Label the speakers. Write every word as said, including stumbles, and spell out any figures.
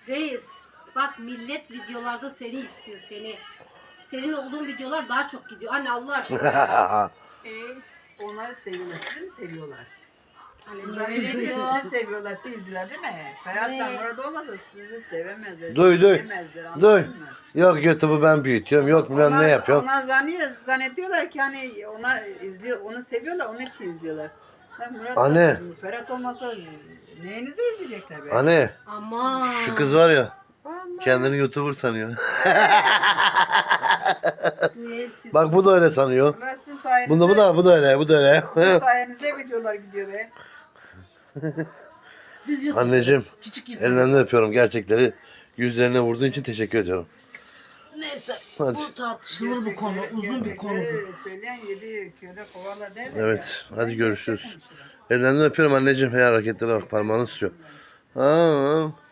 Speaker 1: Reis, bak millet videolarda seni istiyor, seni. Senin olduğun videolar daha çok gidiyor. Anne Allah aşkına.
Speaker 2: Ee, onları seviyorlar. Sizi mi seviyorlar?
Speaker 1: Hani
Speaker 2: Kızlar
Speaker 1: öyle diyor.
Speaker 2: sizi seviyorlar. Sizi izler değil mi? Ferhat'la
Speaker 1: Evet.
Speaker 2: Murat olmasa sizi sevemezler.
Speaker 3: Duy, duy.
Speaker 2: sevemezler, anladın
Speaker 3: Duy.
Speaker 2: mı?
Speaker 3: Yok YouTube'u ben büyütüyorum. Yok bilmem ne yapıyorum.
Speaker 2: Onlar zanniyor, zannediyorlar ki hani onlar izliyor, onu seviyorlar, onun için izliyorlar. Ben Murat
Speaker 3: Anne.
Speaker 2: Ferhat olmasa neyinizi izleyecekler be?
Speaker 3: Anne
Speaker 1: Aman.
Speaker 3: şu kız var ya
Speaker 2: Vallahi.
Speaker 3: kendini YouTuber sanıyor.
Speaker 1: Neyse.
Speaker 3: Bak bu da öyle sanıyor.
Speaker 2: Vallahi sizin sayenizde,
Speaker 3: Bunda bu da bu da öyle bu da öyle.
Speaker 2: sizin sayenizde videolar gidiyor be.
Speaker 1: Biz YouTube'dayız.
Speaker 3: Anneciğim
Speaker 1: Küçük YouTube.
Speaker 3: ellerinden öpüyorum gerçekleri. Yüzlerine vurduğun için teşekkür ediyorum.
Speaker 1: Neyse.
Speaker 3: Hadi.
Speaker 1: Bu tartışılır bir konu. Uzun bir konu bu.
Speaker 2: Gerçekleri söyleyen yedi köle kovarlar derler
Speaker 3: Evet
Speaker 2: ya.
Speaker 3: hadi
Speaker 2: Ben
Speaker 3: görüşürüz.
Speaker 2: gerçek konuşurum.
Speaker 3: Ellerinden öpüyorum anneciğim. Her hareketlere bak parmağını sürüyor. Aa,